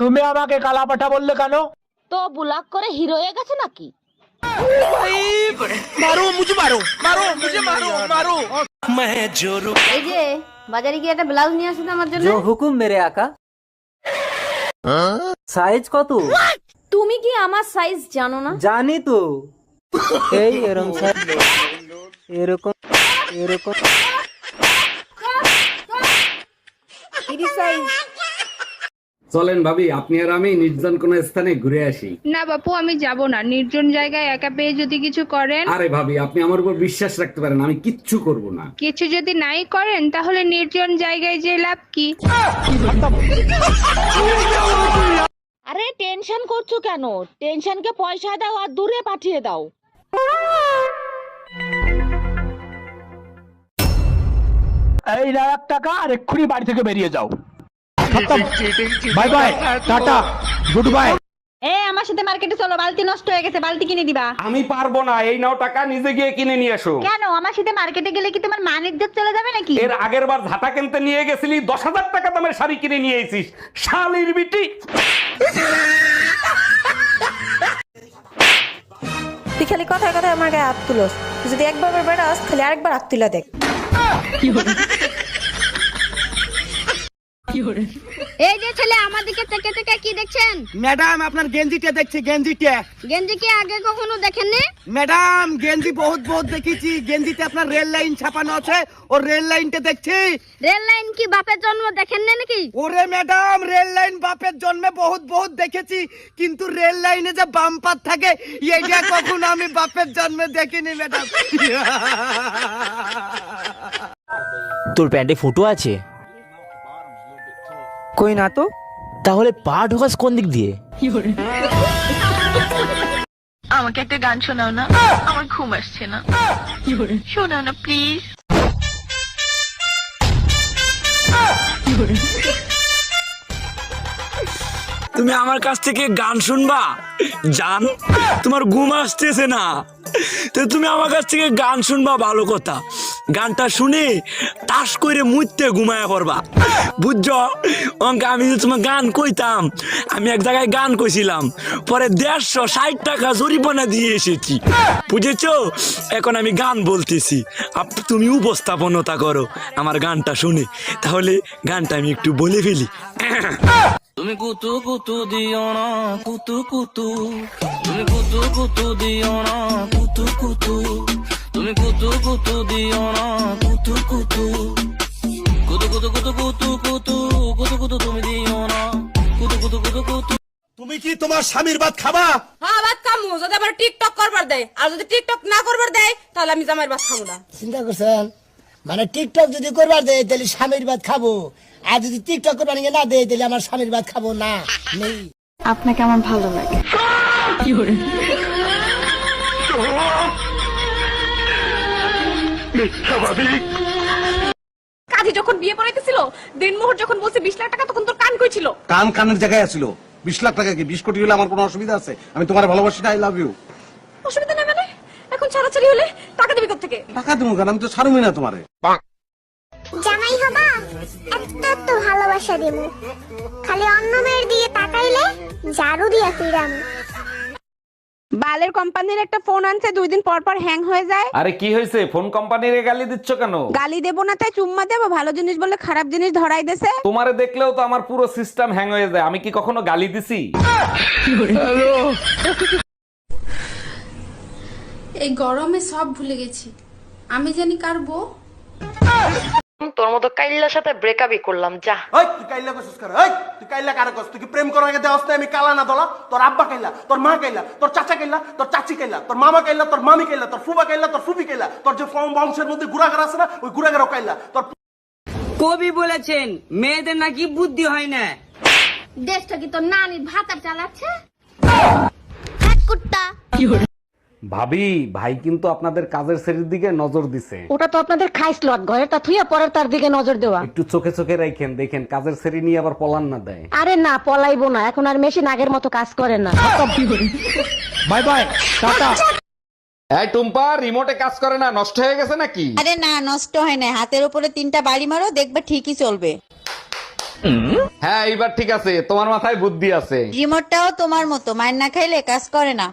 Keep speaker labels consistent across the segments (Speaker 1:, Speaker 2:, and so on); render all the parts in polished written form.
Speaker 1: তুমি আমাকে কালা পাঠা বললে কেন?
Speaker 2: তো ব্লক করে হিরো হয়ে গেছে নাকি?
Speaker 3: এই যে বাজারে গিয়ে একটা ব্লাউজ নিয়ে আসুন আমার জন্য।
Speaker 4: जो हुकुम मेरे आका। সাইজ কত?
Speaker 3: তুমি কি আমার সাইজ জানো না?
Speaker 4: জানি তো। এই এরকম সাইজ, এরকম এরকম।
Speaker 3: তিরিশ সাইজ।
Speaker 5: চলেন ভাবি, আপনি আর আমি নির্জন কোন স্থানে ঘুরে আসি।
Speaker 6: না বাপু, আমি যাব না। নির্জন জায়গায় একা পেয়ে যদি কিছু করেন।
Speaker 5: আরে ভাবি, আপনি আমার উপর বিশ্বাস রাখতে পারেন, আমি কিচ্ছু করব না।
Speaker 6: কিছু যদি নাই করেন তাহলে নির্জন জায়গায় যে লাভ কি?
Speaker 2: আরে টেনশন করছো কেন? টেনশনকে পয়সা দাও আর দূরে পাঠিয়ে দাও।
Speaker 1: এই না 1 টাকা, আর এক্ষুনি বাড়ি থেকে বেরিয়ে যাও। Bye bye, tata, goodbye.
Speaker 3: আমার সাথে মার্কেটে চলো, বালতি নষ্ট হয়ে গেছে, বালতি কিনে দিবা।
Speaker 5: আমি পারবো না, এই নাও টাকা, নিজে গিয়ে কিনে নিয়ে এসো।
Speaker 3: কেন? আমার সাথে মার্কেটে গেলে কি তোমার মান ইজ্জত চলে যাবে নাকি?
Speaker 5: এর আগের বার ঝাঁটা কিনতে নিয়ে গেছিলি, 10,000 টাকা দামের শাড়ি কিনে নিয়ে এসিস, শালির বিটি।
Speaker 7: তুই খালি কথায় কথায় আমার গায়ে হাত তুলোস। তুই যদি একবার বেড়াস খালি আরেকবার হাত তুলে দেখ।
Speaker 3: এই যে ছেলে আমার দিকে থেকে থেকে কি দেখছেন?
Speaker 8: ম্যাডাম আপনার গেঞ্জিটা দেখছি, গেঞ্জিটা।
Speaker 3: গেঞ্জি কি আগে কখনো দেখেননি?
Speaker 8: ম্যাডাম গেঞ্জি বহুত বহুত দেখেছি, গেঞ্জিতে আপনার রেল লাইন ছাপানো আছে, ও রেল লাইনটা দেখছি।
Speaker 3: রেল লাইন কি বাপের জন্ম দেখেন না নাকি?
Speaker 8: ওরে ম্যাডাম, রেল লাইন বাপের জন্মে বহুত বহুত দেখেছি, কিন্তু রেল লাইনে যে বাম্পার থাকে এইটা কখনো আমি বাপের জন্মে দেখিনি ম্যাডাম।
Speaker 9: তোর প্যান্টে ফুটো আছে?
Speaker 4: কই না তো।
Speaker 9: তাহলে পা ঢোকাস কোন দিক দিয়ে?
Speaker 6: আমাকে একটা গান শোনাও না, আমার ঘুম আসছে না। শোনাও না প্লিজ।
Speaker 9: তুমি আমার কাছ থেকে গান শুনবা? জান, তোমার ঘুম আসতেছে না, তো তুমি আমার কাছ থেকে গান শুনবা, ভালো কথা। গানটা শুনে তাস করে মুইতে ঘুমায়া পড়বা, বুঝছো? অঙ্কে আমি যে তোমার গান কইতাম, আমি এক জায়গায় গান কইছিলাম, পরে 160 টাকা জরিমানা দিয়ে এসেছি, বুঝেছো? এখন আমি গান বলতেছি, তুমি উপস্থাপনতা করো আমার গানটা শুনে। তাহলে গানটা আমি একটু বলে ফেলি। তুমি কুতু কুতু দিও না, কুতু কুতু, তুমি কুতু কুতু দিও না, কুতু কুতু, তুমি কুতু কুতু দিও না, কুতু কুতু, কুতু কুতু কুতু কুতু কুতু কুতু কুতু, তুমি দিও না, কুতু কুতু কুতু কুতু।
Speaker 8: তুমি কি তোমার স্বামীর ভাত খাবা?
Speaker 7: হ্যাঁ ভাত খামু, যদি আবার টিকটক করবার দেয়, আর যদি টিকটক না করবার দেয় তাহলে আমি জামাইয়ের ভাত খাবো না।
Speaker 8: চিন্তা করছেন? মানে টিকটক যদি করবার দেয় তাহলে স্বামীর ভাত খাবো, আর যদি টিকটক করবার না দেয় তাহলে আমার স্বামীর ভাত খাবো না। নেই।
Speaker 7: আপনাকে আমার ভালো লাগে। কাজী যখন বিয়ে পড়াইতেছিল, দিনমোহর যখন বলছে 20 লাখ টাকা, তখন তোর কান কই ছিল?
Speaker 8: কান কানের জায়গায় আছিল। 20 লাখ টাকা কি 20 কোটি হলে আমার কোনো অসুবিধা আছে? আমি তোমার ভালোবাসি না, আই লাভ ইউ।
Speaker 7: অসুবিধা নেই মানে? এখন ছাড়াছাড়ি হলে টাকা দিবি কোত্থেকে?
Speaker 8: টাকা দেবো কেন? আমি তো ছাড়ুমি না তোমারে।
Speaker 10: জামাই হবা, এত ভালোবাসা দেব, খালি অন্য মেয়ের দিয়ে তাকাইলে ঝাড়ু দিয়া ফিরাম।
Speaker 6: বালের কোম্পানির একটা ফোন আনছে, 2 দিন পর পর হ্যাং হয়ে যায়।
Speaker 5: আরে কি হয়েছে? ফোন কোম্পানিরে গালি দিচ্ছ কেন?
Speaker 6: গালি দেবো না তাই চুম্মা দেবো? ভালো জিনিস বলে খারাপ জিনিস ধরাই দেছে।
Speaker 5: তোমারে দেখলেও তো আমার পুরো সিস্টেম হ্যাং হয়ে যায়। আমি কি কখনো গালি দিছি?
Speaker 7: এই গরমে সব ভুলে গেছি, আমি জানি কার বউ।
Speaker 2: তোর মতো কাইল্লার সাথে ব্রেকআপই করলাম, যা।
Speaker 8: ওই তুই কাইল্লা কইছিস কার? ওই তুই কাইল্লা কার কইছিস? তুই কি প্রেম করার আগে দেওয়াস না আমি কালা না দলা? তোর আব্বা কাইল্লা, তোর মা কাইল্লা, তোর চাচা কাইল্লা, তোর চাচি কাইল্লা, তোর মামা কাইল্লা, তোর মামি কাইল্লা, তোর ফুবা কাইল্লা, তোর ফুফি কাইল্লা, তোর যে বংশের মধ্যে গুড়াগার আছে না, ওই গুড়াগারও কাইল্লা। তোর
Speaker 4: কবি বলেছেন মেয়েদের নাকি বুদ্ধি হয় না।
Speaker 3: দেশটা কি তোর নানির ভাতার চালাচ্ছে? এক কুত্তা।
Speaker 5: ভাবি, ভাই কিন্তু আপনাদের কাজের শ্রেণীর দিকে নজর দিছে।
Speaker 2: ওটা তো আপনাদের খাইসলত, ঘরে তা থুইয়া পরের তার দিকে নজর দেওয়া।
Speaker 5: একটু চোখে চোখে রাখেন, দেখেন কাজের শ্রেণী নিয়ে আবার পলান না দেয়।
Speaker 2: আরে না, পলাইবো না, এখন আর মেশিন আগের মতো কাজ করে না।
Speaker 1: Bye bye, tata.
Speaker 5: এই টুম্পা, রিমোটে কাজ করে না, নষ্ট হয়ে গেছে নাকি?
Speaker 7: আরে না, নষ্ট হয় না। হাতের উপরে 3টা বাড়ি মারো, দেখবে ঠিকই চলবে।
Speaker 5: হ্যাঁ এইবার ঠিক আছে, তোমার মাথায় বুদ্ধি আছে।
Speaker 2: রিমোটটাও তোমার মতো মাইন না খাইলে কাজ করে না।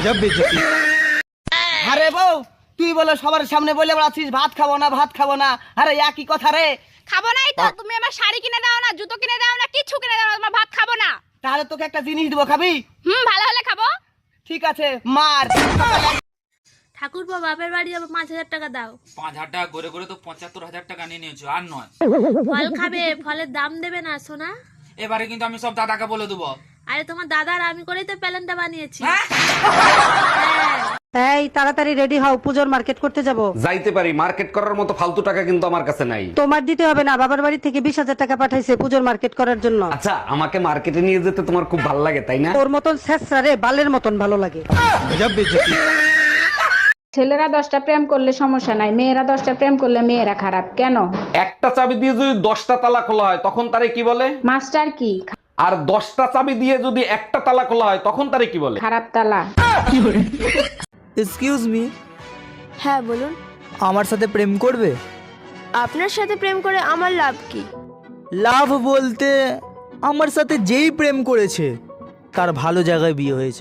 Speaker 4: আরে বউ তুই বলে সবার সামনে বলে বেড়াচ্ছিস ভাত খাবো না ভাত খাবো না, আরে একই কথা রে।
Speaker 3: খাবো নাই তো, তুমি আমার শাড়ি কিনে দাও না, জুতো কিনে দাও না, কিচ্ছু কিনে দাও না, তোমার ভাত খাবো না।
Speaker 4: তাহলে তোকে একটা জিনিস দিব, খাবি?
Speaker 3: ভালো হলে খাবো।
Speaker 4: ঠিক আছে মার।
Speaker 3: ঠাকুরপো বাপের বাড়ি যাবো, 5,000 টাকা দাও।
Speaker 11: 5,000 টাকা করে করে তো 75,000 টাকা নিয়ে নিয়েছো, আর নয়।
Speaker 3: ফল খাবে, ফলের দাম দেবে না সোনা।
Speaker 11: এবারে কিন্তু আমি সব দাদাকে বলে দেবো।
Speaker 3: আরে তোমার দাদার আমি করেই তো প্যালেনটা বানিয়েছি।
Speaker 2: এই তাড়াতাড়ি রেডি হও, পূজোর মার্কেট করতে যাব।
Speaker 5: যাইতে পারি, মার্কেট করার মতো ফালতু টাকা কিন্তু আমার কাছে নাই।
Speaker 2: তোমার দিতে হবে না, বাবার বাড়ি থেকে 20,000 টাকা পাঠাইছে পূজোর মার্কেট করার জন্য।
Speaker 5: আচ্ছা, আমাকে মার্কেটে নিয়ে যেতে তোমার খুব ভালো লাগে তাই না?
Speaker 2: ওর মতন ছেঁচড়া রে বালের মতন ভালো লাগে।
Speaker 6: ছেলেরা 10টা প্রেম করলে সমস্যা নাই, মেয়েরা 10টা প্রেম করলে মেয়েরা খারাপ কেন?
Speaker 5: একটা চাবি দিয়ে যদি 10টা তালা খোলা হয় তখন তারে কি বলে?
Speaker 6: মাস্টার কি?
Speaker 5: আর 10টা চাবি দিয়ে যদি একটা তালা খোলা হয় তখন তারে কি বলে?
Speaker 6: খারাপ তালা।
Speaker 4: এক্সকিউজ মি,
Speaker 3: হ্যাঁ বলুন।
Speaker 4: আমার সাথে প্রেম করবে?
Speaker 3: আপনার সাথে প্রেম করে আমার লাভ কি?
Speaker 4: লাভ বলতে আমার সাথে যেই প্রেম করেছে তার ভালো জায়গায় বিয়ে হয়েছে।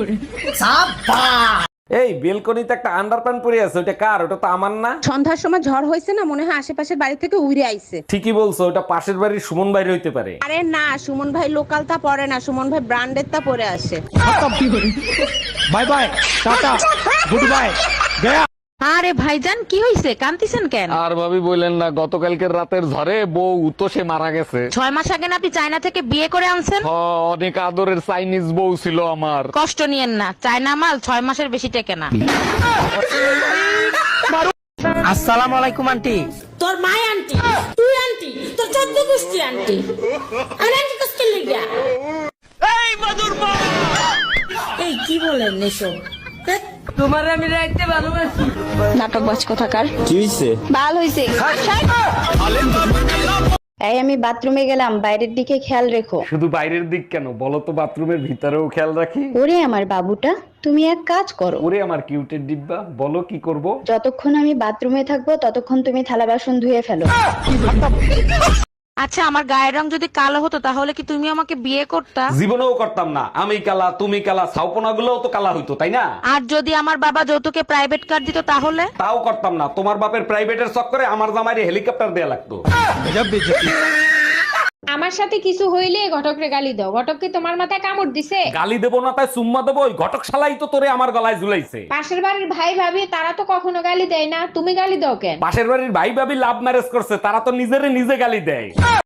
Speaker 5: এই বেলকনিতে একটা আন্ডারপ্যান্ট পরে আছে, ওটা কার? ওটা তো আমার না।
Speaker 6: সন্ধ্যার সময় ঝড় হয়েছে না, মনে হয় আশেপাশের বাড়ি থেকে উড়ে আইছে।
Speaker 5: ঠিকই বলছো, ওটা পাশের বাড়ির সুমন বাইরে হইতে পারে।
Speaker 6: আরে না, সুমন ভাই লোকাল তা পরে না, সুমন ভাই ব্র্যান্ডের তা পরে আসে।
Speaker 1: Bye bye, tata, goodbye, গয়া।
Speaker 2: আরে ভাইজান কি হইছে, কান্তিছেন কেন?
Speaker 5: আর ভাবি বললেন না, গতকালকের রাতের ঝড়ে বউ তো সে মারা গেছে।
Speaker 2: 6 মাস আগে না আপনি চায়না থেকে বিয়ে করে আনছেন?
Speaker 5: অনেক আদরের চাইনিজ বউ ছিল আমার।
Speaker 2: কষ্ট নিয়েন না, চায়না মাল 6 মাসের বেশি টেকে না।
Speaker 4: আসসালামু আলাইকুম আন্টি।
Speaker 3: তোর মা আন্টি, তুই আন্টি, তোর 14 গোষ্ঠী আন্টি। আর আন্টি কষ্ট লাগিয়া। এই কি বলেন এসব?
Speaker 4: তোমার আমি রাখতে ভালোবাসি।
Speaker 6: নাটক বাজ কোথাকার।
Speaker 9: কি হইছে?
Speaker 6: ভাল হইছে। এই আমি বাথরুমে গেলাম, বাইরের দিকে খেয়াল রেখো।
Speaker 5: শুধু বাইরের দিক কেন, বলো তো বাথরুমের ভিতরেও খেয়াল রাখি।
Speaker 6: ওরে আমার বাবুটা, তুমি এক কাজ করো।
Speaker 5: ওরে আমার কিউটের ডিব্বা, বলো কি করব?
Speaker 6: যতক্ষণ আমি বাথরুমে থাকবো ততক্ষণ তুমি থালা বাসন ধুয়ে ফেলো।
Speaker 2: আচ্ছা, আমার গায়ের রং যদি কালো হতো তাহলে কি তুমি আমাকে বিয়ে করতা?
Speaker 5: জীবনেও করতাম না। আমি কালা, তুমি কালা, ছাউপনা গুলোও তো কালা হইতো তাই না?
Speaker 2: আর যদি আমার বাবা যৌতুকে প্রাইভেট কার দিত তাহলে?
Speaker 5: তাও করতাম না। তোমার বাপের প্রাইভেটের চক্করে আমার জামাইরে হেলিকপ্টার দেয়া লাগতো।
Speaker 6: আমার সাথে কিছু হইলে ঘটকরে গালি দাও। ঘটক কি তোমার মাথায় কামড় দিছে?
Speaker 5: গালি দেবো না তাই চুম্মা দেবো? ওই ঘটক শালাই তো তোরে আমার গলায় ঝুলাইছে।
Speaker 6: পাশের বাড়ির ভাই ভাবি তারা তো কখনো গালি দেয় না, তুমি গালি দাও কেন?
Speaker 5: পাশের বাড়ির ভাই ভাবি লাভ ম্যারেজ করছে, তারা তো নিজেরে নিজে গালি দেয়।